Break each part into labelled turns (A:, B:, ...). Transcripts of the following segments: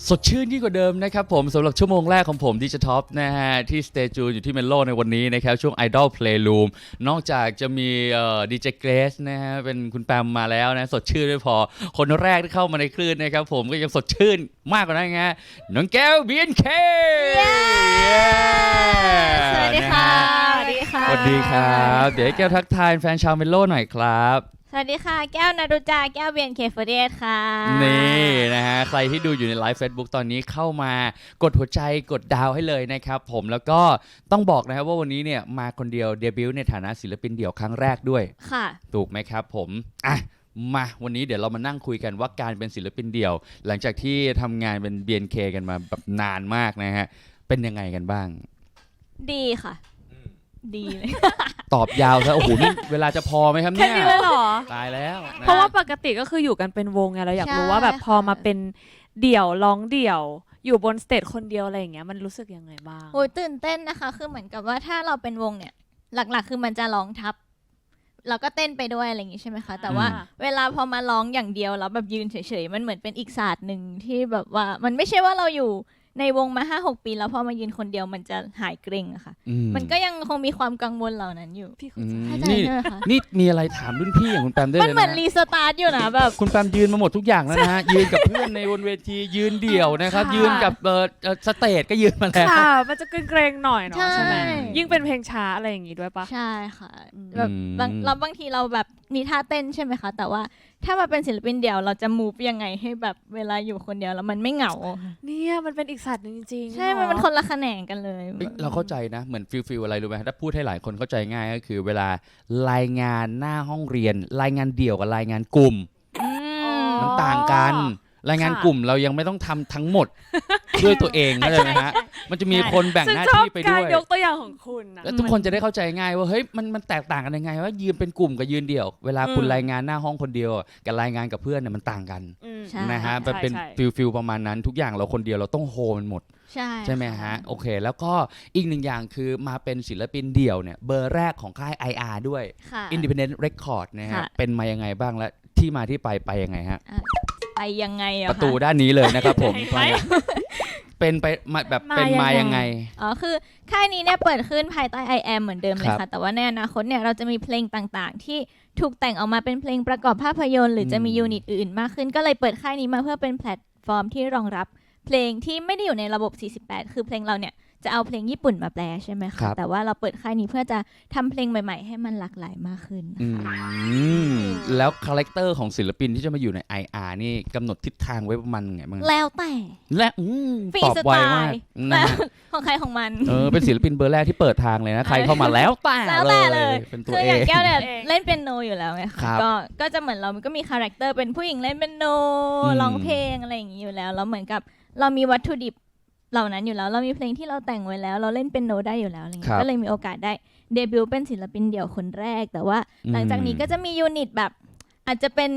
A: สดชื่นยิ่งกว่าเดิมนะครับผมสำหรับชั่วโมงแรกของผมดิจิท็อปนะฮะที่สเตจูอยู่ที่เมโลในวันนี้นะครับช่วง Idol Playroom นอกจากจะมีดีเจเกรสนะฮะเป็นคุณแปมมาแล้วนะสดชื่นไม่พอคนแรกที่เข้ามาในคลื่นนะครับผมก็ยังสดชื่นมากกว่านั้นไงน้องแก้ว BNK
B: สวัสดีค่ะสวัสดีค่ะ
A: สวัสดีครับเดี๋ยวให้แก้วทักทายแฟนชาวเมโลหน่อยครับ
B: สวัสดีค่ะแก้วนรุจาแก้ว BNK48 ค่ะ
A: นี่นะฮะใครที่ดูอยู่ในไลฟ์ Facebook ตอนนี้เข้ามากดหัวใจกดดาวให้เลยนะครับผมแล้วก็ต้องบอกนะครับว่าวันนี้เนี่ยมาคนเดียวเดบิวต์ในฐานะศิลปินเดี่ยวครั้งแรกด้วย
B: ค่ะ
A: ถูกไหมครับผมอ่ะมาวันนี้เดี๋ยวเรามานั่งคุยกันว่าการเป็นศิลปินเดี่ยวหลังจากที่ทำงานเป็น BNK กันมาแบบนานมากนะฮะเป็นยังไงกันบ้าง
B: ดีค่ะดีเลย
A: ตอบยาวซะโอ้โหนี่เวลาจะพอไหมครับเนี่ย
C: แค่นี้เลยเหรอ
A: ตายแล้ว
C: เพราะว่าปกติก็คืออยู่กันเป็นวงไงเราอยากรู้ว่าแบบพอมาเป็นเดี่ยวร้องเดี่ยวอยู่บนสเตจคนเดียวอะไรอย่างเงี้ยมันรู้สึกยังไงบ้าง
B: โอ้ยตื่นเต้นนะคะคือเหมือนกับว่าถ้าเราเป็นวงเนี่ยหลักๆคือมันจะร้องทับเราก็เต้นไปด้วยอะไรอย่างงี้ใช่ไหมคะแต่ว่าเวลาพอมาร้องอย่างเดียวแล้วแบบยืนเฉยๆมันเหมือนเป็นอีกศาสตร์หนึ่งที่แบบว่ามันไม่ใช่ว่าเราอยู่ในวงมา 5-6 ปีแล้วพอมายืนคนเดียวมันจะหายเกรงอะค่ะมันก็ยังคงมีความกังวลเหล่านั้นอยู่
C: พี่
B: เข้าใจใช่ไหมคะ
A: นี่มีอะไรถามรุ่นพี่อย่างคุณแปมได้เลยนะ
B: มันเหมือนรีสตาร์ทอยู่นะแบบ
A: คุณแปมยืนมาหมดทุกอย่างแล้วนะฮะยืนกับเพื่อนในบนเวทียืนเดี่ยวนะครับยืนกับสเตจก็ยืนมาแล้ว
C: ค่ะมันจะเกรงๆหน่อยเนาะใช่ไหมยิ่งเป็นเพลงช้าอะไรอย่างงี้ด้วยปะ
B: ใช่ค่ะแบบบางทีเราแบบมีท่าเต้นใช่ไหมคะแต่ว่าถ้ามาเป็นศิลปินเดี่ยวเราจะมูฟยังไงให้แบบเวลาอยู่คนเดียวแล้วมันไม่เหงา
C: เนี่ยมันเป็นอีกศาสตร์นึงจริงๆ
B: ใช่มันเป็นคนละแขนงกันเลย
A: เราเข้าใจนะเหมือนฟิลอะไรรู้ไหมถ้าพูดให้หลายคนเข้าใจง่ายก็คือเวลารายงานหน้าห้องเรียนรายงานเดี่ยวกับรายงานกลุ่มมันต่างกันรายงานกลุ่มเรายังไม่ต้องทำทั้งหมดด้วยตัวเองเข้าใจไหมฮะมันจะมีคนแบ่งหน้าที่ไปด้วย
C: ยกตัวอย่างของคุณนะ
A: แล้วทุกคนจะได้เข้าใจง่ายว่าเฮ้ยมันแตกต่างกันยังไงว่ายืนเป็นกลุ่มกับยืนเดี่ยวเวลาคุณรายงานหน้าห้องคนเดียวกับรายงานกับเพื่อนเนี่ยมันต่างกันนะฮะมันเป็นฟิลประมาณนั้นทุกอย่างเราคนเดียวเราต้องโฮมันหมดใช่ไหมฮะโอเคแล้วก็อีกหนึ่งอย่างคือมาเป็นศิลปินเดี่ยวเนี่ยเบอร์แรกของค่าย IR ด้วย Independent Record นะฮะเป็นมายังไงบ้างและที่มาที่ไปยังไงฮะ
B: ไปยังไงอะ
A: ประตูด้านนี้เลยนะครับผมเป็นไปแบบเป็นมายังไง
B: อ๋อคือค่ายนี้เนี่ยเปิดขึ้นภายใต้ I am เหมือนเดิมเลยค่ะแต่ว่าในอนาคตเนี่ยเราจะมีเพลงต่างๆที่ถูกแต่งออกมาเป็นเพลงประกอบภาพยนตร์หรือจะมียูนิตอื่นมากขึ้นก็เลยเปิดค่ายนี้มาเพื่อเป็นแพลตฟอร์มที่รองรับเพลงที่ไม่ได้อยู่ในระบบ48คือเพลงเราเนี่ยจะเอาเพลงญี่ปุ่นมาแปลใช่ไหมคะแต่ว่าเราเปิดค่ายนี้เพื่อจะทำเพลงใหม่ๆให้มันหลากหลายมากขึ้น
A: แล้วคาแรคเตอร์ของศิลปินที่จะมาอยู่ใน IR นี่กำหนดทิศทางไว้ประมาณไงบ้าง
B: แล้วแต่
A: และตอบไวมาก
B: ของใครของมัน
A: เป็นศิลปินเบอร์แรกที่เปิดทางเลยนะใครเข้ามาแล้วแต่เลยเป็นตัวเอง
B: คืออย่างแก้วเนี่ยเล่นเปียโนอยู่แล้วไงก็จะเหมือนเราก็มีคาแรคเตอร์เป็นผู้หญิงเล่นเปียโนร้องเพลงอะไรอย่างนี้อยู่แล้วแล้วเหมือนกับเรามีวัตถุดิบเหล่านั้นอยู่แล้วเรามีเพลงที่เราแต่งไว้แล้วเราเล่นเปียโนได้อยู่แล้วอะไรเงี้ยก็เลยมีโอกาสได้เดบิวต์เป็นศิลปินเดี่ยวคนแรกแต่ว่าหลังจากนี้ก็จะมียูนิตแบบอาจจะเป็น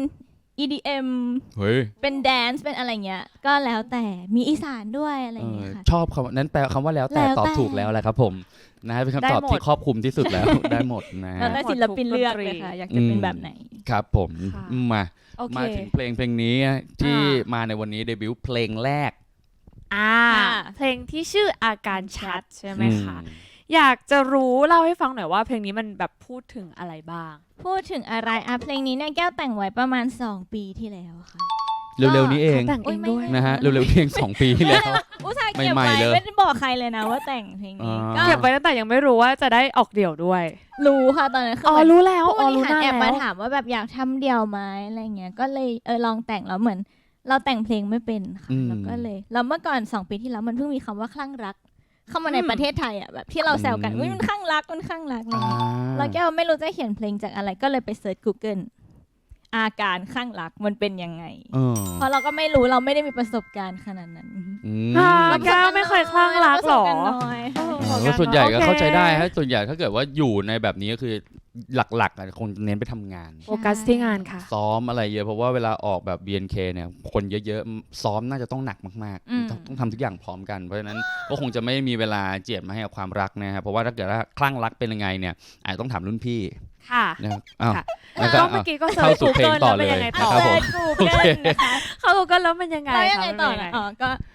B: EDM เป็นแดนซ์เป็นอะไรเงี้ยก็แล้วแต่มีอีสานด้วยอะไรเงี้ยค่ะ
A: ชอบคำนั้นแปลคำว่าแล้วแต่ตอบถูกแล้วแหละครับผมนะเป็นคำตอบที่ครอบคลุมที่สุดแล้วได้หมดนะ
B: แล้วแต่ศิลปินเลือกเลยค่ะอยากจะเป็นแบบไหน
A: ครับผมมาถึงเพลงนี้ที่มาในวันนี้เดบิวต์เพลงแรก
C: เพลงที่ชื่ออาการชัดใช่ไหมคะอยากจะรู้เล่าให้ฟังหน่อยว่าเพลงนี้มันแบบพูดถึงอะไรบ้าง
B: พูดถึงอะไรเพลงนี้เนี่ยแก้วแต่งไว้ประมาณ2 ปีที่แล้วค่ะ
A: เร็วๆนี้เอง
C: แต่งเองด้วย
A: นะฮะเร็วๆเพียง2 ปีที่แล้ว
B: อุตส่าห์เก็บไว้ไม่ได้บอกใครเลยนะว่าแต่งเพลงนี้
C: เก็บไว้ตั้งแต่ยังไม่รู้ว่าจะได้ออกเดี่ยวด้วย
B: รู้ค่ะตอนนั้นคือ
C: รู้แล้ว
B: รู้นานแล้วแอบมาถามว่าแบบอยากทำเดี่ยวไหมอะไรเงี้ยก็เลยลองแต่งแล้วเหมือนเราแต่งเพลงไม่เป็นค่ะแล้วก็เลยแล้วเมื่อก่อน2 ปีที่แล้วมันเพิ่งมีคำว่าคลั่งรักเข้ามาในประเทศไทยอ่ะแบบที่เราแซวกันมันคลั่งรักแล้วแก้วไม่รู้จะเขียนเพลงจากอะไรก็เลยไปเซิร์ช Google อาการคลั่งรักมันเป็นยังไงเพราะเราก็ไม่รู้เราไม่ได้มีประสบการณ์ขนาดนั้น
C: แก้วไม่เคยคลั่งรักหรอ
A: ส่วนใหญ่ก็เข้าใจได้ฮะส่วนใหญ่ถ้าเกิดว่าอยู่ในแบบนี้ก็คือหลักๆคงเน้นไปทำงาน
C: โฟกัสที่งานค่ะ
A: ซ้อมอะไรเยอะเพราะว่าเวลาออกแบบ BNK เนี่ยคนเยอะๆซ้อมน่าจะต้องหนักมากๆต้องทำทุกอย่างพร้อมกันเพราะฉะนั้นก็คงจะไม่มีเวลาเจียดมาให้กับความรักนะครับเพราะว่าถ้าเกิดว่าคลั่งรักเป็นยังไงเนี่ยอาจจะต้องถามรุ่นพี่
C: ค่ะ
A: แล้ว
C: ก็เมื่อกี้ก็เข้าสู่เพลงต่อเลย
A: ครับผม
C: เข้าสู่กันแล้วมันยังไง
B: ต่อก็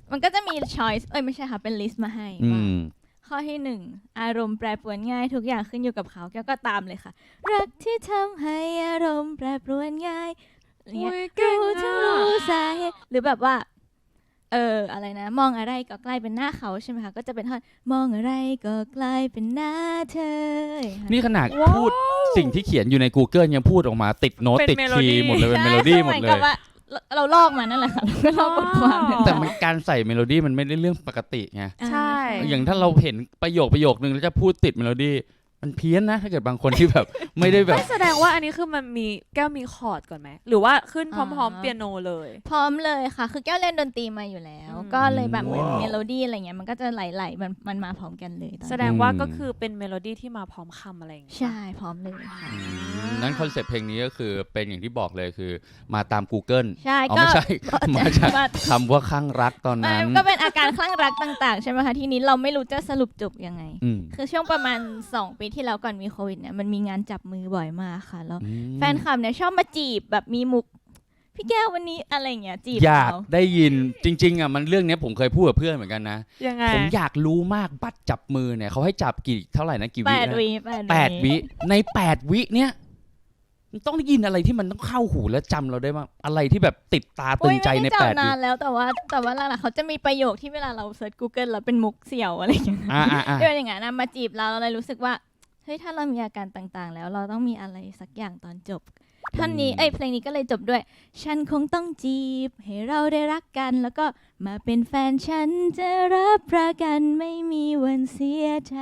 B: มันก็จะมี choice ไม่ใช่ค่ะเป็น list มาให้ว่าข้อที่1อารมณ์แปรปรวนง่ายทุกอย่างขึ้นอยู่กับเขาแก้วก็ตามเลยค่ะรักที่ทำให้อารมณ์แปรปรวนง่ายเนี่ยรู้ทั้งรู้สาเหตุหรือแบบว่าอะไรนะมองอะไรก็กลายเป็นหน้าเขาใช่ไหมคะก็จะเป็นท่อนมองอะไรก็กลายเป็นหน้าเธอ
A: นี่ขนาดพูดสิ่งที่เขียนอยู่ใน Google ยังพูดออกมาติดโน้ตติดคีย์หมดเลยเป็นเมโลดี้หมดเลย
B: เราลอกมานั่นแหละค่ะเราลอกบทความ
A: แต่มันการใส่เมโลดี้มันไม่ได้เรื่องปกติไง
C: ใช่
A: อย่างถ้าเราเห็นประโยคนึงแล้วจะพูดติดเมโลดี้มันเพี้ยนนะถ้าเกิดบางคนที่แบบไม่ได้แบบ
C: แสดงว่าอันนี้คือมันมีแก้วมีคอร์ดก่อนไหมหรือว่าขึ้นพร้อมๆเปียโนเลย
B: พร้อมเลยค่ะคือแก้วเล่นดนตรีมาอยู่แล้วก็เลยแบบเหมือนเมโลดี้อะไรเงี้ยมันก็จะไหลๆมันมาพร้อมกันเลย
C: แสดงว่าก็คือเป็นเมโลดี้ที่มาพร้อมคำอะไรอย่างเงี้ย
B: ใช่พร้อมเลยค่ะ
A: นั้นคอนเซ็ปต์เพลงนี้ก็คือเป็นอย่างที่บอกเลยคือมาตาม Google
B: ใช่
A: ก็ไม่ใช่มาจากคำว่าคลั่งรักตอนนั้น
B: ก็เป็นอาการคลั่งรักต่างๆใช่ไหมคะทีนี้เราไม่รู้จะสรุปจบยังไงคือช่วงประมาณ2 ปีที่แล้วก่อนมีโควิดเนี่ยมันมีงานจับมือบ่อยมากค่ะแล้วแฟนคลับเนี่ยชอบมาจีบแบบมีมุกพี่แก้ววันนี้อะไรเงี้ยจีบ
A: อยากได้ยินจริงๆอ่ะมันเรื่องนี้ผมเคยพูดกับเพื่อนเหมือนกันนะ
C: ยังไง
A: ผมอยากรู้มากบัตรจับมือเนี่ยเขาให้จับกี่เท่าไหร่นะกี่วินะ8 วิใน8 วิเนี่ยต้องได้ยินอะไรที่มันต้องเข้าหูและจำเราได้มากอะไรที่แบบติดตาตึงใจใน8 วิ
B: นานแล้วแต่ว่าหลังๆเขาจะมีประโยคที่เวลาเราเซิร์ช Google แล้วเป็นมุกเสี่ยวอะไรอย่างเงี้ยที่เป็นอย่างนั้นมาจีบเราเลยรู้สึกว่าเฮ้ยถ้าเรามีอาการต่างๆแล้วเราต้องมีอะไรสักอย่างตอนจบท่อนนี้เพลงนี้ก็เลยจบด้วยฉันคงต้องจีบให้เราได้รักกันแล้วก็มาเป็นแฟนฉันจะรับประกันไม่มีวันเสียใจ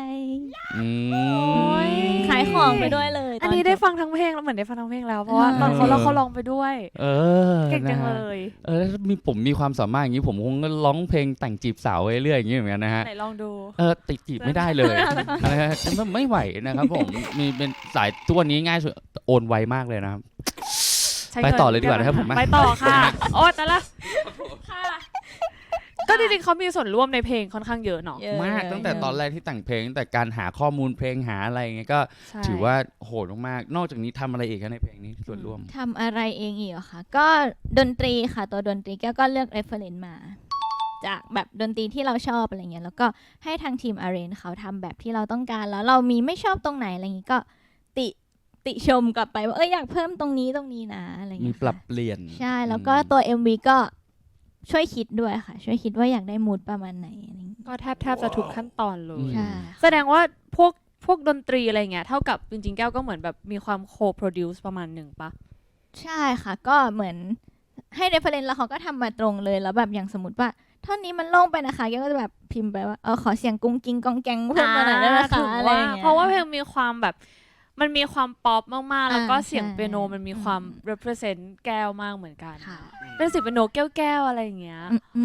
B: ขายของไปด้วยเลย
C: อันนี้ได้ฟังทั้งเพลงแล้วเหมือนได้ฟังทั้งเพลงแล้วเพราะว่าตอนเขาร้องไปด้วยเก่งจังเลย
A: ผมมีความสามารถอย่างนี้ผมคงร้องเพลงแต่งจีบสาวเรื่อยๆอย่างนี้เหมือนกันนะฮะ
C: ไหนลองดู
A: ติดจีบไม่ได้เลยนะฮะไม่ไหวนะครับผมมีเป็นสายตัวนี้ง่ายสุดโอนไวมากเลยนะครับไปต่อเลยดีกว่านะครับผม
C: ไปต่อค่ะโอ้แต่ละค่ะก็จริงๆเขามีส่วนร่วมในเพลงค่อนข้างเยอะเนาะ
A: มากตั้งแต่ตอนแรกที่แต่งเพลงแต่การหาข้อมูลเพลงหาอะไรเงี้ยก็ถือว่าโหดมากนอกจากนี้ทำอะไรอีกในเพลงนี้ส่วนร่วม
B: ทำอะไรเองอีกเหรอคะก็ดนตรีค่ะตัวดนตรีก็เลือก reference มาจากแบบดนตรีที่เราชอบอะไรเงี้ยแล้วก็ให้ทางทีม arrange เขาทำแบบที่เราต้องการแล้วเรามีไม่ชอบตรงไหนอะไรเงี้ยก็ติชมกลับไปว่าอยากเพิ่มตรงนี้นะอะไรเงี้ย
A: มีปรับเปลี่ยน
B: ใช่แล้วก็ตัว MV ก็ช่วยคิดด้วยค่ะช่วยคิดว่าอยากได้มูดประมาณไหน
C: ก็แทบจะทุกขั้นตอนเลยแสดงว่าพวกดนตรีอะไรเงี้ยเท่ากับจริงๆแก้วก็เหมือนแบบมีความโคโปรดิวซ์ประมาณหนึ่งปะ
B: ใช่ค่ะก็เหมือนให้เรฟเฟอเรนซ์แล้วเขาก็ทำมาตรงเลยแล้วแบบอย่างสมมติว่าท่อนนี้มันโล่งไปนะคะแกก็จะแบบพิมพ์ไปว่าขอเสียงกุ้งกิ้งกองแกงเพิ่มมาหน่อยได้ไหมคะอะไรอย่างเงี้ย
C: เพราะว่าเพลงมีความแบบมันมีความป๊อปมากๆแล้วก็เสียงเปียโนมันมีความ represent แก้วมากเหมือนกันเป็นเสียงเปียโนแก้วๆอะไรอย่างเงี้ย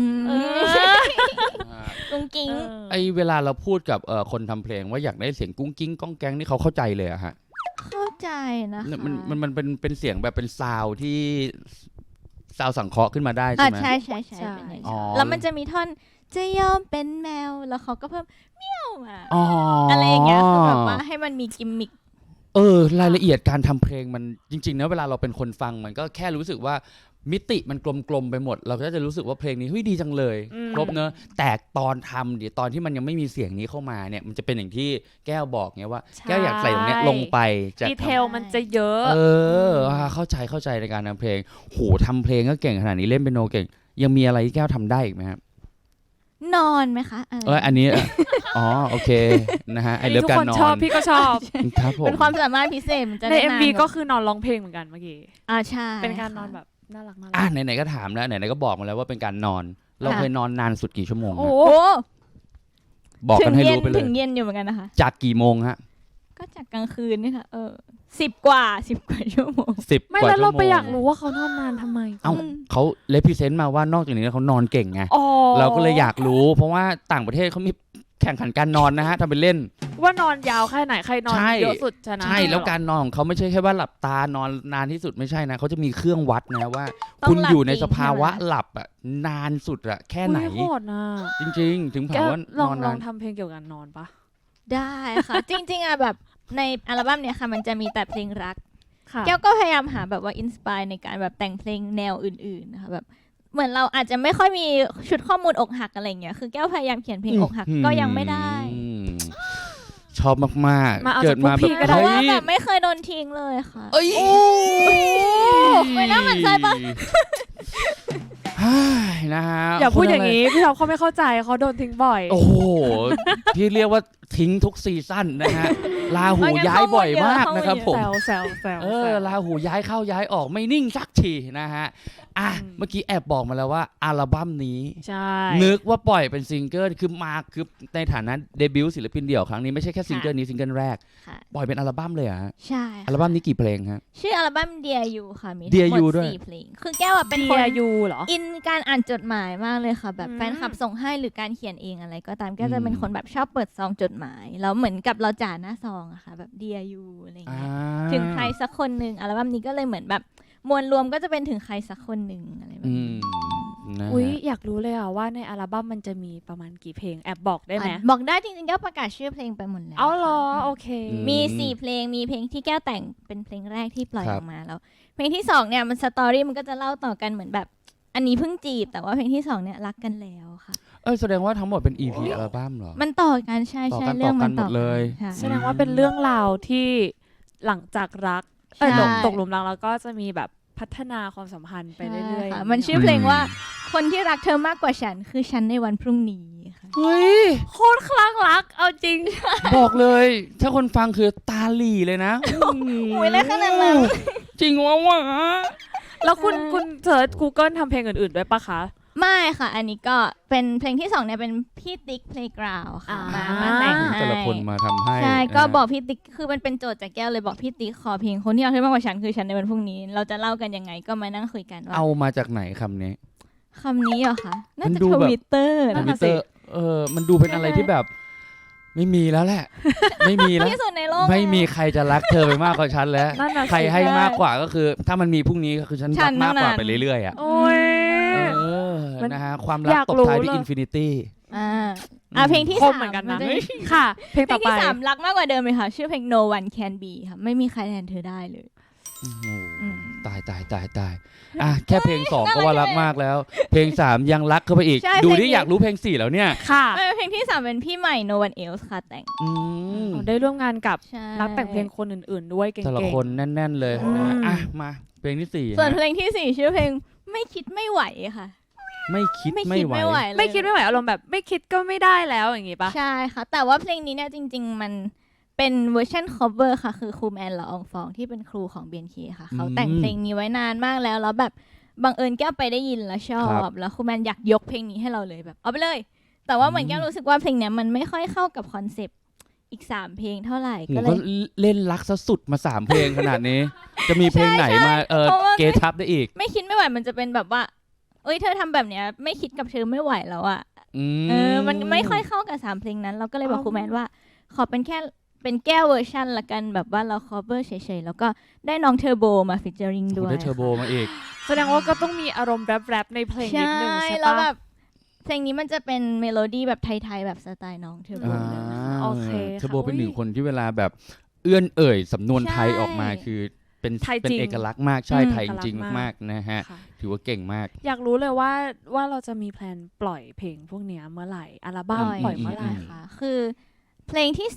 B: กุ้งกิ้ง
A: เวลาเราพูดกับคนทำเพลงว่าอยากได้เสียงกุ้งกิ้งก้องแกงนี่เขาเข้าใจเลยอะฮะ
B: เข้าใจนะคะ
A: มันเป็นเสียงแบบเป็นซาวที่ซาวสังเคราะห์ขึ้นมาได้ใช่ไหม
B: ใช่แล้วมันจะมีท่อนจะยอมเป็นแมวแล้วเขาก็เพิ่มเมี้ยวมาอะไรอย่างเงี้ยคือแบบว่าให้มันมีกิมมิค
A: รายละเอียดการทำเพลงมันจริงๆนะเวลาเราเป็นคนฟังมันก็แค่รู้สึกว่ามิติมันกลมๆไปหมดเราก็จะรู้สึกว่าเพลงนี้เฮ้ยดีจังเลยครบเนอะแต่ตอนทำเดี๋ยวตอนที่มันยังไม่มีเสียงนี้เข้ามาเนี่ยมันจะเป็นอย่างที่แก้วบอกไงว่าแก้วอยากใส่ตรงนี้ลงไป
C: ดีเทลมันจะเยอะ
A: เข้าใจในการทำเพลงโหทำเพลงก็เก่งขนาดนี้เล่นเปียโนเก่งยังมีอะไรที่แก้วทำได้อีกไหมครับ
B: นอนไหมคะ
A: อันนี้โอเคนะฮะไอเลิฟการนอน
C: ชอบพี่ก็ชอบ
A: ครับผม
B: เป็นความสามารถพิเศษมันจะ
C: ใน MV ก็คือนอนร้องเพลงเหมือนกันเมื่อกี้
B: ใช่
C: เป็นการนอนแบบน่ารัก
A: ไหนๆก็ถามแล้วไหนๆก็บอกมาแล้วว่าเป็นการนอนเราเคยนอนนานสุดกี่ชั่วโมง
B: โอ้
A: บอกกันให้รู้ไปเลย
B: ถึงเย็นอยู่เหมือนกันนะคะ
A: จากกี่โมงฮะ
B: ก็จากกลางคืนนี่ค่ะ10 กว่าชั่วโมง
C: ไม่แล้วเราไปอยากรู้ว่าเขานอนนานทำไม
A: เขาเลพิเซนต์มาว่านอกจากนี้เขานอนเก่งไงเราก็เลยอยากรู้เพราะว่าต่างประเทศเขามีแข่งขันการนอนนะฮะทำเป็นเล่น
C: ว่านอนยาวแค่ไหนใครนอนเยอะสุดชนะ
A: ใช่แล้วการนอนของเขาไม่ใช่แค่ว่าหลับตานอนนานที่สุดไม่ใช่นะเขาจะมีเครื่องวัดนะว่าคุณอยู่ในสภาวะหลับนานสุดแค่ไหน
C: โหดนะ
A: จริงๆถึงถามว่านอน
C: ลองทำเพลงเกี่ยวกับนอนปะ
B: ได้ค่ะจริงๆแบบในอัลบั้มเนี่ยค่ะมันจะมีแต่เพลงรักแก้วก็พยายามหาแบบว่าอินสไปร์ในการแบบแต่งเพลงแนวอื่นๆนะคะแบบเหมือนเราอาจจะไม่ค่อยมีชุดข้อมูลอกหักอะไรเงี้ยคือแก้วพยายามเขียนเพลงอกหักก็ยังไม่ได้
A: ชอบมาก
C: มาเอา
A: ๆ เกิดมา
C: จากพวกพี่ก็
B: เพ
C: ได้
B: ราะว่า
A: เฮ้ย
B: แบบไม่เคยโดนทิ้งเลยค่ะ
A: เอ้ย
B: ไม่น่าหมั่นไส้ปะ
A: นะฮะ
C: อย่าพูดอย่าง
A: นี้
C: นี้พี่ท็อปเขาไม่เข้าใจเขาโดนทิ้งบ่อย
A: โอ้โหพี่เรียกว่าทิ้งทุกซีซั่นนะฮะลาหูย้ายบ่อยมากนะครับผม
C: แซว
A: ลาหูย้ายเข้าย้ายออกไม่นิ่งสักทีนะฮะเมื่อกี้แอบบอกมาแล้วว่าอัลบั้มนี้
C: ใช่
A: นึกว่าปล่อยเป็นซิงเกิลคือในฐานะเดบิวต์ศิลปินเดี่ยวครั้งนี้ไม่ใช่แค่ซิงเกิลนี้ซิงเกิลแรก
B: ค่ะ
A: ปล่อยเป็นอัลบั้มเลยเหรอฮะ
B: ใช่
A: อัลบั้มนี้กี่เพลงฮะ
B: ชื่ออัลบั้ม Dear You ค่ะมีทั้ง
A: Dear
B: หม
A: You
B: ด
A: ด้วย
B: 4เพลงคือแก้วอะเป็นคน
C: Dear You เหรอ
B: อินการอ่านจดหมายมากเลยค่ะ แบบ
C: อืม
B: แฟนคลับส่งให้หรือการเขียนเองอะไรก็ตามแก้วจะเป็นคนแบบชอบเปิดซองจดหมายแล้วเหมือนกับเราจ่าหน้าซองอะค่ะแบบ Dear You อะไรอย่างเงี้ยถึงใครสักคนหนึ่งอัลบั้มนี้ก็เลยเหมือนแบบมวลรวมก็จะเป็นถึงใครสักคนหนึ่งอะไรแบบ
A: อื
B: นี้
A: มนะฮะ
C: อุ๊ยอยากรู้เลยอ่ะว่าในอัลบั้มมันจะมีประมาณกี่เพลงแอบบอกได้ไหม
B: บอกได้จริงๆแก้วประกาศชื่อเพลงไปหมดแล้ว
C: เอาเหรอ
B: ค่ะ
C: โอเค
B: มี4เพลงมีเพลงที่แก้วแต่งเป็นเพลงแรกที่ปล่อย
A: ครั
B: อบ อกมาแล้ว เพลงที่2เนี่ยมันสตอรี่มันก็จะเล่าต่อกันเหมือนแบบ อันนี้เพิ่งจีบแต่ว่าเพลงที่2เนี่ยรักกันแล้วค่ะ
A: แสดงว่าทั้งหมดเป็น EP อัลบั้มเหรอ
B: มันต่อกันใช่
A: ต่อ
B: ใช่
A: กัน
B: เรื่องมัน
A: ต่อกันหมดเลย
B: ค่ะ
C: แสดงว่าเป็นเรื่องราวที่หลังจากรัก
B: ใช่
C: ตกหลุมรักแล้วก็จะมีแบบพัฒนาความสัมพันธ์ไปเรื่อย
B: ค่ะ
C: ๆ
B: มันชื่อเพลงว่าคนที่รักเธอมากกว่าฉันคือฉันในวันพรุ่งนี้ค่ะ
A: เฮ้ย
C: โคตรคลั่งรักเอาจริง
A: บอกเลย ถ้าคนฟังคือตาหลีเลยนะ
B: อุ้ยแล้วขนาดนั้น
A: จริงวะ
C: แล้วคุณเสิร์ช Google ทำเพลงอื่นๆด้วยปะคะ
B: ไม่ค่ะ อันนี้ก็เป็นเพลงที่2เนี่ยเป็นพี่ติ๊ก Playground ค่ะมาแต่งให้
A: แต่ละคนมาทำให้
B: ใช่ก็
A: นะฮะ
B: บอกพี่ติ๊กคือมันเป็นโจทย์จากแก้วเลยบอกพี่ติ๊กขอเพลงคนที่รักเธอมากกว่าฉันคือฉันในวันพรุ่งนี้ เราจะเล่ากันยังไงก็มานั่งคุยกันว่า
A: เอามาจากไหนคำนี้
B: คำนี้เหรอคะน่า
A: มัน
B: จะ
A: ดู
B: ท
A: แบบ
B: วิตเตอร์
C: นั่
B: นะ
C: น
A: ท
C: น่ะ
A: วิตเตอร์มันดูเป็นอะไรที่แบบ ไม่มีแล้วแหละ ไม่มีแล้ว
B: ที่สุดในโลก
A: ไม่มีใครจะรักเธอไปมากกว่าฉันแล้ว
C: นั่นน่ะสิ
A: ใครให้มากกว่าก็คือ ถ้ามันมีพรุ่งนี้ก็คือฉัน
B: ฉั
A: รั
B: น
A: กมากกว่า
B: นั่น
A: ไปเรื่อยๆอ่ะ
C: โอ้ย มัน
A: นะฮะความรัก
C: อยาก
A: ตบ
C: รู้
A: ท้ายที่
C: เลย
A: อินฟินิตี้
B: เพลงที่
C: ค
B: สาม
C: มเหมือนกันนะ
B: จะ
C: ค่ะ เพลง
B: เพล
C: ต่อง ไป
B: ที่3รักมากกว่าเดิมเลยค่ะ ชื่อเพลง No One Can Be ค่ะไม่มีใครแทนเธอได้เลย
A: ตายแค่เพลง2ก็ว่ารักมากแล้ว เพลง3ยังรักเข้าไปอีก
B: ใช่
A: ดู
B: เพลง
A: ที่
B: นี้
A: อยากรู้เพลง4แล้วเนี่ย
C: ค่ะ
B: เพลงที่3เป็นพี่ใหม่ No One Else ค่ะแต่ง
A: อืม
C: ได้ร่วมงานกับ
B: ใช่
C: นักแต่งเพลงคนอื่นๆ ด้วยเก่งๆ
A: แต่ละคนแน่นๆเลยนะฮะมาเพลงที่4
B: ส่วนเพลงที่4ชื่อเพลงไม่คิดไม่ไหวค่ะ
A: ไม่คิด
B: ไม่
A: ไม่
B: คิด
A: ไหว
B: ไม่ไหวเลย
C: ไม่คิดไม่ไหวอารมณ์แบบไม่คิดก็ไม่ได้แล้วอย่างงี้ปะ
B: ใช่ค่ะ แต่ว่าเพลงนี้เนี่ยจริง ๆ มันเป็นเวอร์ชัน cover ค่ะ คือครูแมนละอองฟองที่เป็นครูของ BNK ค่ะ เขาแต่งเพลงนี้ไว้นานมากแล้วแบบบังเอิญแก้วไปได้ยินแล้วชอ
A: ครับ บ
B: แล้วครูแมนอยากยกเพลงนี้ให้เราเลยแบบเอาไปเลย แต่ว่าเหมือนแก้วรู้สึกว่าเพลงเนี้ยมันไม่ค่อยเข้ากับคอนเซปต์อีก3เพลงเท่าไหร่
A: หนู
B: ก็เล
A: ก็
B: ย
A: เล่นรักซะสุดมา3เพลงขนาดนี้ จะมีเพลงไหนมา
B: เพราะว่า
A: เกทับได้อีก
B: ไม่คิดไม่ไหวมันจะเป็นแบบว่าเอ้ยเธอทำแบบเนี้ยไม่คิดกับเธอไม่ไหวแล้วอะ มันไม่ค่อยเข้ากับ3เพลงนั้น เราก็เลยบอกครูแมนว่า ขอเป็นแค่เป็นแก้วเวอร์ชันละกันแบบว่าเรา cover เฉยๆแล้วก็ได้น้องเทอร์โบมาฟิชเจอริงด้วย
A: ได้เทอร์โบมาอีก
C: แสดงว่าก็ต้องมีอารมณ์แรปๆในเพลงนิดนึงใช่
B: แล้วแบ
C: ปะ
B: บเพลงนี้มันจะเป็นเมโลดี้แบบไทยๆแบบสไตล์น้องเทอร์โบเลย
C: โอเค
A: เทอร์โบ
C: ค่ะ
A: เป็นหนึ่งคนที่เวลาแบบเอื้อนเอ่ยสำนวนไทย
B: ใช่
A: ออกมาคือเป็น
C: ไทย
A: เป็น
C: จริง
A: เอกลักษณ์มากใช่
B: อืม
A: ไทยจริง
C: เอกลักษณ์
A: ๆมากๆนะฮะ
C: ค่ะ
A: ถือว่าเก่งมาก
C: อยากรู้เลยว่าเราจะมีแพลนปล่อยเพลงพวกเนี้ยเมื่อไหร่อัลบั้มปล่อยเมื่อไหร่
B: ค่ะคือเพลงที่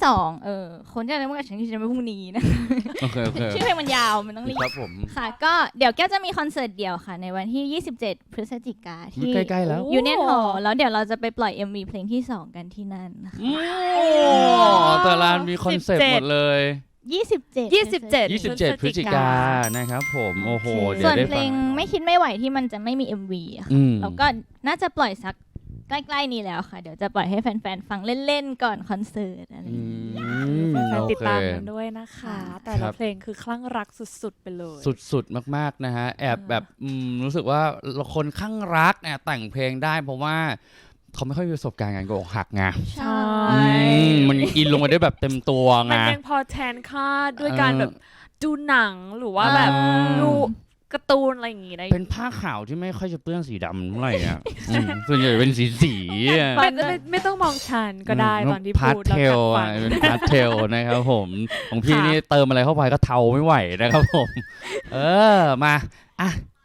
B: 2คนที่อะไรเมื่อกี้ฉันคิดจะไม่พรุ่งนี้นะ
A: โอเคโอเค
B: ชื่อเพลงมันยาวมันต้องรีบ
A: ครับผม
B: ค่ะ ก็เดี๋ยวแก้วจะมีคอนเสิร์ตเดี่ยวค่ะ ในวันที่ 27 พฤศจิกาที่
A: ใกล้ๆแล้ว
B: ยูเนียนฮอลล์แล้วเดี๋ยวเราจะไปปล่อย MV เพลงที่ 2 กันที่นั่นนะคะ
A: แต่ละมีคอนเซ็ปต์หมดเลย
B: 27
A: 27 พฤศจิกายนนะครับผมโอ้โหเดี๋ย
B: ส่
A: ว
B: วน
A: ได้
B: เพล
A: ฟั
B: ง
A: ง
B: ไม่คิดไม่ไหวที่มันจะไม่มี MV อะค่ะ
A: อืม
B: แล้วก็น่าจะปล่อยสักใกล้ๆนี้แล้วค่ะ เดี๋ยวจะปล่อยให้แฟนๆฟังเล่นๆก่อนคอนเสิร์ตอะไรอย่างเงี้ย
C: แฟน
A: โอ
C: ๆติด
A: เค
C: ตามกันด้วยนะคะ แต่
A: ครั
C: ละ
A: บ
C: เพลงคือคลั่งรักสุดๆไปเลย
A: สุดๆมากๆนะฮะแอบแบบรู้สึกว่าคนข้างรักเนี่ยแต่งเพลงได้เพราะว่าเขาไม่ค่อยมีประสบการณ์งานอกหักไง
B: ใช่
A: มันอินลงมาได้แบบเต็มตัวไง
C: มันยังพอแทนค่าด้วยการแบบดูหนังหรือว่าแบบ
A: อ่า
C: ดูการ์ตูนอะไรอย่างงี้ได้
A: เป็นผ้าขาวที่ไม่ค่อยจะเปื้อนสีดำเท่าไหร่อ่ะส่วนใหญ่เป็นสีอ่ะ
C: ไม่ต้องมองฉันก็ได้ตอนที่
A: พาส
C: พูด
A: เท
C: แล้ว
A: ล
C: กัดฟัน
A: เป็นพาสเทลนะครับผมของพี่
C: ค่ะ
A: นี่เติมอะไรเข้าไปก็เทาไม่ไหวนะครับผม มาอ่ะ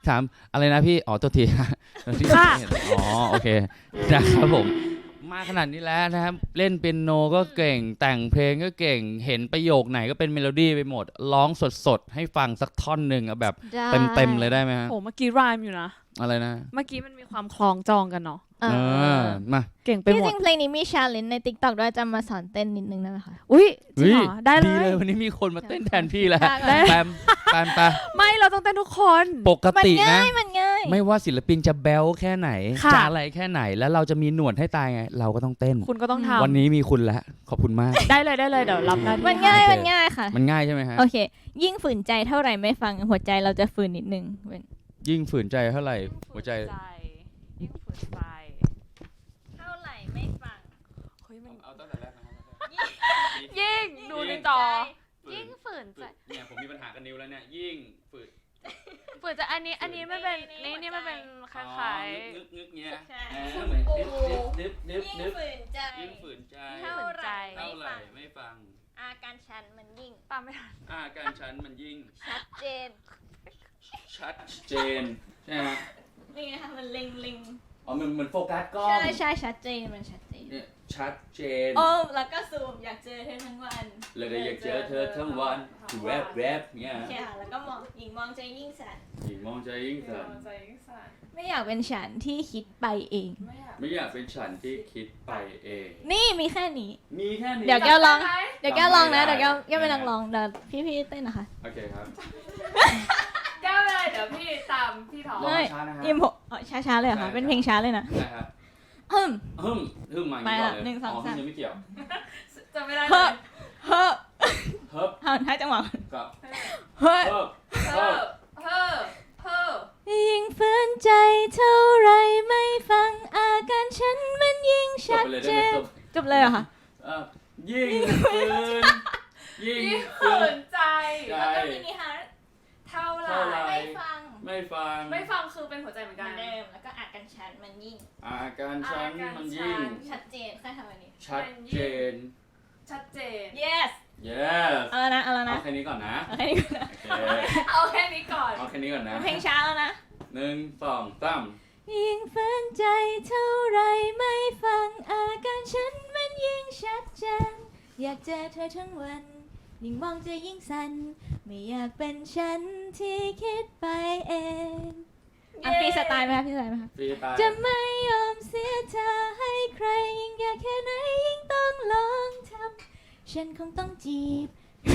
A: ถามอะไรนะพี่อ๋อตัวที ที่
C: ค่ะ
A: อ๋อโอเคนะครับผมมาขนาดนี้แล้วนะครับเล่นเปียโนก็เก่งแต่งเพลงก็เก่งเห็นประโยคไหนก็เป็นเมโลดี้ไปหมดร้องสดๆให้ฟังสักท่อนหนึ่งเอาแบบเต็มๆเลยได้ไหมฮะ
C: โอ้เมื่อกี้รายอยู่นะ
A: อะไรนะ
C: เมื่อกี้มันมีความคล้องจองกันเนาะ
B: เออ
A: มา
C: เก่งไป
B: ที่
C: หม
B: จ
C: ด
B: ริงเพลงนี้มีชาเลนจ์ใน TikTok ด้วยจะมาสอนเต้นนิดนึงได้ไหมคะ
C: อุ้ยจริงเหรอได้เล
A: ดีเลย
C: ย
A: วันนี้มีคนมาเต้นแทนพี่แล้ว
B: ได้
A: แปมไป
C: ไม่เราต้องเต้นทุกคน
A: ปก
B: มัน
A: ติ
B: ง่า
A: นะ
B: ยมันง่าย
A: ไม่ว่าศิลปินจะแบลแค่ไหน
C: ค่ะ
A: จะอะไรแค่ไหนแล้วเราจะมีหนวดให้ตายไง เราก็ต้องเต้น
C: คุณก็ต้องท
A: วันนี้มีคุณแล้วขอบคุณมาก
C: ำได้เลยเดี๋ยวรับหน้าที่
B: มันง่าย
A: โอเค
B: มันง่ายค่ะ
A: มันง่ายใช่ไหมฮะ
B: โอเค ยิ่งฝืนใจเท่าไหร่ไม่ฟังหัวใจเราจะฝืนนิดนึงเป็น
A: ยิ่งฝืนใจเท่าไหร่หัวใจ
C: ยิ่งฝืนใจ
B: เท่าไหร่ไม่ฟัง
C: เฮ้ยมัน
A: เอาตั้งแต่แรกนะครับ
C: ยิ่งดูในจอยิ่งฝืนใจ
A: เนี่ยผมมีปัญหากับนิ้วแล้วเนี่ยยิ่งฝืน
C: ฝืนใจอันนี้มันเป็นนี่มันเป็นคล้าย
A: งึกเงี้ย
B: ใช่
A: เหมือนนึบ
B: ยิ่งฝืนใจ
A: ยิ่งฝืนใจ
B: เท่าไหร่
A: เท่าไหร่ไม่ฟัง
B: อาการชันมันยิ่ง
C: ๆตามไม่ทัน
A: การฉันมันยิ่ง
B: ชัดเจน
A: ชัดเจนใช่ไหม
B: นี่ไงคะมันเล็ง
A: อ๋อมันเหมือนโฟกัสกล้อง
B: ใช่ชัดเจนมันชัดเจน
A: เนี่ยชัดเจน
B: โอ้แล้วก็ซูมอยากเจอเธอทั้งวัน
A: เลยได้อยากเจอเธอทั้งวันแวบเนี่ย
B: โอเคค่ะแล้วก็มองหญิงมองใจยิ่งสั่น
A: หญิงมองใจยิ่งสั่น
B: ไม่อยากเป็นฉันที่คิดไปเอง
A: ไม่อยากเป็นฉันที่คิดไปเอง
B: นี่มีแค่นี้
A: มีแค่นี้
B: เดี๋ยวแก้วลอง เดี๋ยวแก้วลองนะ
A: ได้
B: เดี๋ยวแก้วเป็นนักร้องเดี๋ยวพี่เต้นนะคะ
A: โอเคครับ
C: แก้วเลยเดี๋ยวพี่ตามพี่ถอ
A: ลองช้านะฮะ
B: อิมโหช้าๆเลยเหรอ
A: ได้
B: ค่ะเป็นเพลงช้าเลยนะ
A: ได้ครับ
B: ฮึม
A: ฮึ่มมาอย่างนี้ก่อนเลย
B: ไปละหนึ่งสองสาม
A: ฮึ่ยังไม่เกี่ยว
C: จะไม่ได้
B: เฮ้อเฮ้อ
A: เฮิบ
B: ให้จังหวะ
A: กับ
B: เฮ้อ
A: เฮิบ
C: เพ้อเพ้อเพ้อ
B: ยิ่งฝืนใจเท่าไรไม่ฟังอาการฉันมันยิ่ง
A: จบ
B: ชัด
A: ไปเลย
B: เจ
A: ได้ไหม
B: นจบเลยเหรอคะ
A: เอ่อยิ่งฝืนยิ่ง
C: ยิ่ง
A: ฝื
C: ฝื
A: น
C: นใจ
A: ใจ
B: แล้วก็มินิฮาร์ด
C: เท่าไห
A: เท่าไหร่
C: ร่
B: ไม่ฟัง
A: ไม่ฟัง
C: ไม่ฟังคือเป็นหัวใจเหมือน
B: เหมื
C: กั
B: อน นเดิมแล้วก็อาการฉันมันยิ่ง
A: อาการฉันมันยิ่ง
B: ชัดเจนแค่ทำอันนี้
A: ชัดเจน
C: ชัดเจน
B: yes
A: yes
B: เอาแล้วนะเอาแล้วนะ
A: เอาแค่นี้ก่อนนะ
B: เอาแค่นี้ก่อนนะ
A: โอเค
C: เอาแค่นี้ก่อน
A: เอาแค่นี้ก่อนนะ
B: เพลงช้าแล้วนะ
A: หนึ่งสองสาม
B: ยิ่งฝืนใจเท่าไรไม่ฟังอาการฉันมันยิ่งชัดเจนอยากเจอเธอทั้งวันยิ่งมองจะยิ่งสั่นไม่อยากเป็นฉันที่คิดไปเองอ่ะฟรีสไตล์ไหมคะฟรีสไตล์ไหมคะ
A: ฟรีตาย
B: จะไม่ยอมเสียเธอให้ใครยิ่งอยากแค่ไหนยิ่งต้องลองทำฉันคงต้องจีบ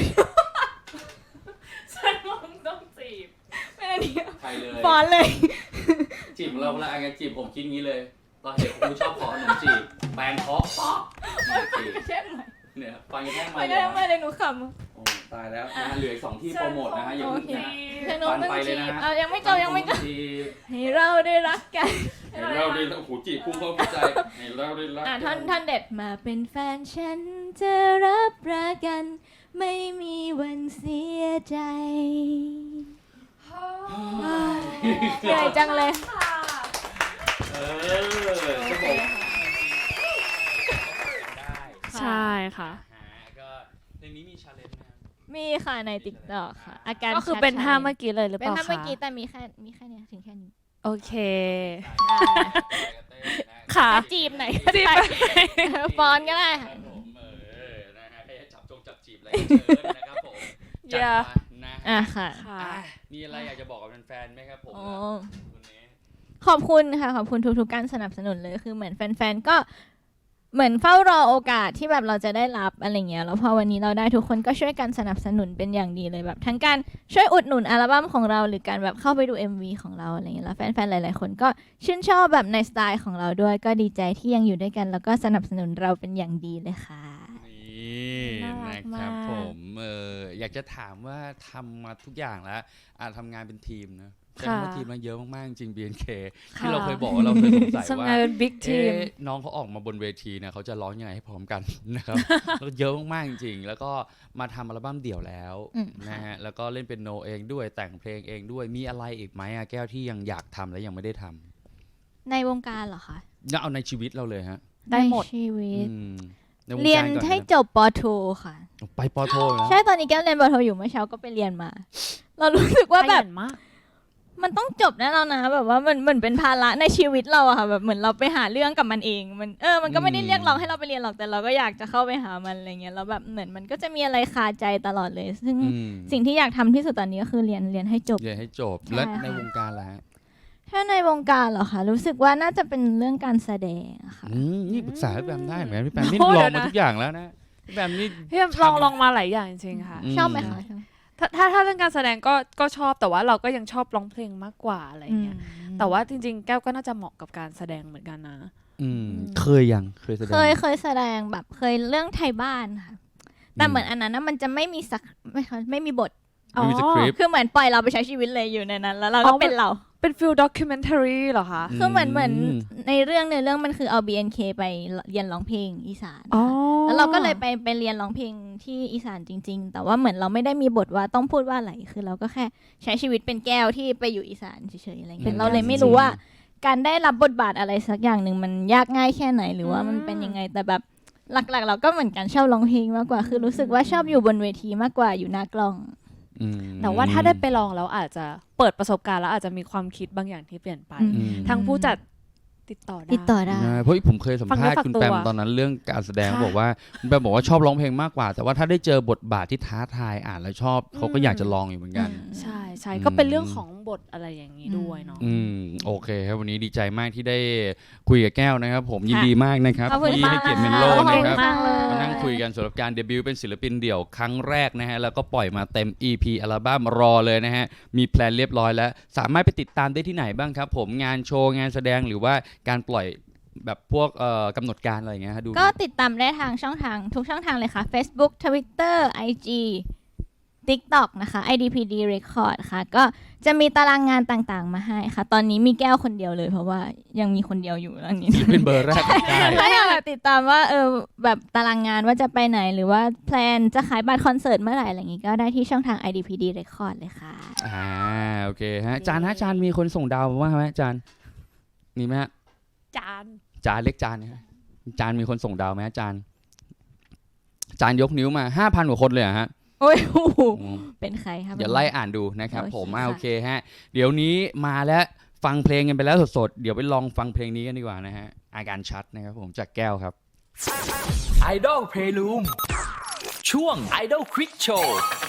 C: ฉันคงต้องจีบ
B: ไม่ได้เนี่ย
A: ใครเลย
B: ฟอนเลย
A: จีบของเราเวลาไงจีบผมคิดงี้เลย ตอนเด็กครูชอบขอขนมจีบแปรงเคาะป๊อกจีบ
B: แช่ใหม่
A: เนี่ยฟังแค่
B: ไม่
A: ไม่
B: ได้
A: เลย
B: ไม่ได้หนูข
A: โอ้ตายแล้วนะฮะเหลืออีกสองที่โปรโมทนะฮะอย่า
B: โอ
A: เพิ่ง
B: เค
A: นะ
B: ำเธอหนู
A: ฟัน
B: ต้อง
A: ไปเลย
B: จี
A: นะ
B: บ
A: ฮะ
B: เอายังไม่จบยังไม่จบ
A: จีบ
B: ให้เราได้รักกัน
A: ให้เราได้โอ้โหจีบพุ่งเข้าหัวใจให้เราได้รัก
B: ท่อนเด็ดมาเป็นแฟนฉันจะรับประกัน ไม่มีวันเสียใจเหนื่อยจังเลย
A: เออจะบอก
C: ใช่ค่ะ
A: ก็เพลงนี้มีชาเลนจ์ไหมครับ
B: มีค่ะใน TikTok ค่ะ อาการ
C: ก็คือเป็น
B: ชัดๆ
C: ท่าเมื่อกี้เลยหรือ
B: เป็
C: เป
B: น
C: ล่า
B: ท่าเมื่อ
C: คะ
B: กี้แต่มีแค่เนี้ยถึงแค่นี้
C: โอเค
B: ได้
C: ค่ะ
B: จีบไหนก็ได้ฟอนก็ได้
A: ค
B: ค่ะ
A: รับผมนะฮะใครจะจับจีบอะไรก็เชิญนะครับผมจัด
C: อย่า
A: มานะ
B: อ่ะค่ะ
C: ค่ะ
A: อ่ะมีอะไรอยากจะบอกกับแฟนๆไหมครับผม
B: โอ้
A: วันนี้
B: ขอบคุณค่ะขอบคุณทุกๆการสนับสนุนเลยคือเหมือนแฟนๆก็เหมือนเฝ้ารอโอกาสที่แบบเราจะได้รับอะไรเงี้ยแล้วพอวันนี้เราได้ทุกคนก็ช่วยกันสนับสนุนเป็นอย่างดีเลยแบบทั้งการช่วยอุดหนุนอัลบั้มของเราหรือการแบบเข้าไปดู MV ของเราอะไรเงี้ยแล้วแฟนๆหลายๆคนก็ชื่นชอบแบบในสไตล์ของเราด้วยก็ดีใจที่ยังอยู่ด้วยกัน แล้วก็สนับสนุนเราเป็นอย่างดีเลยค่ะ
A: นี่
C: น่ารั
A: นะ
C: ก
A: ค
C: มาก
A: รับผมอยากจะถามว่าทำมาทุกอย่างแล้วทำงานเป็นทีมนะใช้คำว่าทีมมันเยอะมากๆจริง BNK ที่เราเคยบอกว่าเราเคยสงสัย
C: ทำ
A: ว่า
C: งานเป็นบิ๊กทีม
A: น้องเขาออกมาบนเวทีเนี่ยเขาจะร้องยังไงให้พร้อมกัน นะครับ แล้วก็เยอะมากๆจริงๆแล้วก็มาทำอัลบั้มเดี่ยวแล้ว นะฮะแล้วก็เล่นเป็นโนเองด้วยแต่งเพลงเองด้วยมีอะไรอีกไหมอะแก้วที่ยังอยากทำและยังไม่ได้ทำ
B: ในวงการเหรอคะ
A: เอาในชีวิตเราเลยฮะ
C: ได้หมด
B: ในชีวิต
A: อืมในวงการ
B: เรียน
A: ก่อ
B: ให้
A: นะ
B: จบปอโทค่ะ
A: ไปปอโทนะ
B: ใช่ตอนนี้แก้วเรียนปอโทอยู่เมื่อเช้าก็ไปเรียนมา เรารู้สึกว่าแบบ
C: ขยันมาก
B: มันต้องจบแน่แล้วนะแบบว่ามันเหมือนเป็นภาระในชีวิตเราอะค่ะแบบเหมือนเราไปหาเรื่องกับมันเองมันก็ไม่ได้เรียกร้องให้เราไปเรียนหรอกแต่เราก็อยากจะเข้าไปหามันอะไรเงี้ยแล้วแบบเหมือนมันก็จะมีอะไรคาใจตลอดเลยซึ่งสิ่งที่อยากทำที่สุดตอนนี้ก็คือเรียนให้จบ
A: และในวงการล่ะฮะ
B: ถ้าในวงการเหรอคะรู้สึกว่าน่าจะเป็นเรื่องการแสดงค่ะ
A: นี่ปรึกษาพี่แบมได้เหมือนกันพี่แบมนี่ลองมาทุกอย่างแล้วนะพี่แบมนี่
C: พี่ลองมาหลายอย่างจริงๆค่ะ
B: ชอบไหมคะ
C: ถ้าเรื่องการแสดงก็ชอบแต่ว่าเราก็ยังชอบร้องเพลงมากกว่าอะไรเงี้ยแต่ว่าจริงๆแก้วก็น่าจะเหมาะกับการแสดงเหมือนกันนะ
A: เคยแสดง
B: เคยแสดงแบบเคยเรื่องไทยบ้านค่ะแต่เหมือนอันนั้นมันจะไม่มีบทคือเหมือนปล่อยเราไปใช้ชีวิตเลยอยู่ในนั้นแล้วเราก็เป็นเรา
C: เป็นฟิลด็อกิเมนทารีเหรอคะ
B: คือเหมือนในเรื่องมันคือเอา BNK ไปเรียนร้องเพลงอีสานแล้วเราก็เลยไปเรียนร้องเพลงที่อีสานจริงๆแต่ว่าเหมือนเราไม่ได้มีบทว่าต้องพูดว่าอะไรคือเราก็แค่ใช้ชีวิตเป็นแก้วที่ไปอยู่อีสานเฉยๆอะไรเงี้ยเราเลยไม่รู้ว่าการได้รับบทบาทอะไรสักอย่างหนึ่งมันยากง่ายแค่ไหนหรือว่ามันเป็นยังไงแต่แบบหลักๆเราก็เหมือนกันชอบร้องเพลงมากกว่าคือรู้สึกว่าชอบอยู่บนเวทีมากกว่าอยู่หน้ากล้อง
C: แต่ว่าถ้าได้ไปลองแล้วอาจจะเปิดประสบการณ์แล้วอาจจะมีความคิดบางอย่างที่เปลี่ยนไปทั้งผู้จัดติดต่อได้
A: เพราะผมเคยสัมภาษณ์คุณแปมตอนนั้นเรื่องการแสดงบอกว่าคุณแปมบอกว่าชอบร้องเพลงมากกว่าแต่ว่าถ้าได้เจอบทบาทที่ท้าทายอ่านแล้วชอบเขาก็อยากจะลองอยู่เหมือนกัน
C: ใช่ก็เป็นเรื่องของบทอะไรอย่างนี้ด้วยเนาะ
A: โอเคครับวันนี้ดีใจมากที่ได้คุยกับแก้วนะครับผมยินดีมากนะครับที่ให้เกียรติเมนโลนะครับมานั่งคุยกันสำหรับการเดบิวต์เป็นศิลปินเดี่ยวครั้งแรกนะฮะแล้วก็ปล่อยมาเต็ม EP อัลบั้มรอเลยนะฮะมีแพลนเรียบร้อยแล้วสามารถไปติดตามได้ที่ไหนบ้างครับผมงานโชว์งานแสดงหรือว่าการปล่อยแบบพวกกำหนดการอะไรอย่างเงี้ยดู
B: ก็ติดตามได้ทางช่องทางทุกช่องทางเลยค่ะ Facebook Twitter IG TikTok นะคะ IDPD Record ค่ะก็จะมีตารางงานต่างๆมาให้ค่ะตอนนี้มีแก้วคนเดียวเลยเพราะว่ายังมีคนเดียวอยู่อันนี้
A: เป็นเบอร์แรก
B: ถ้าอยากติดตามว่าแบบตารางงานว่าจะไปไหนหรือว่าแพลนจะขายบัตรคอนเสิร์ตเมื่อไหร่อะไรอย่างงี้ก็ได้ที่ช่องทาง IDPD Record เลยค่ะ
A: โอเคฮะจานมีคนส่งดาวมาไหมจานมีไหมฮะ
C: จ
A: านเล็กจานนะจานมีคนส่งดาวไหมจานยกนิ้วมา 5,000 กว่าคนเลยฮะ
B: โอ้ยเป็นใครครับ
A: เดี๋ยวไล่อ่านดูนะครับผมโอเคฮะเดี๋ยวนี้มาแล้วฟังเพลงกันไปแล้วสดๆเดี๋ยวไปลองฟังเพลงนี้กันดีกว่านะฮะอาการชัดนะครับผมจากแก้วครับ
D: Idol Playroom ช่วง Idol Quick Show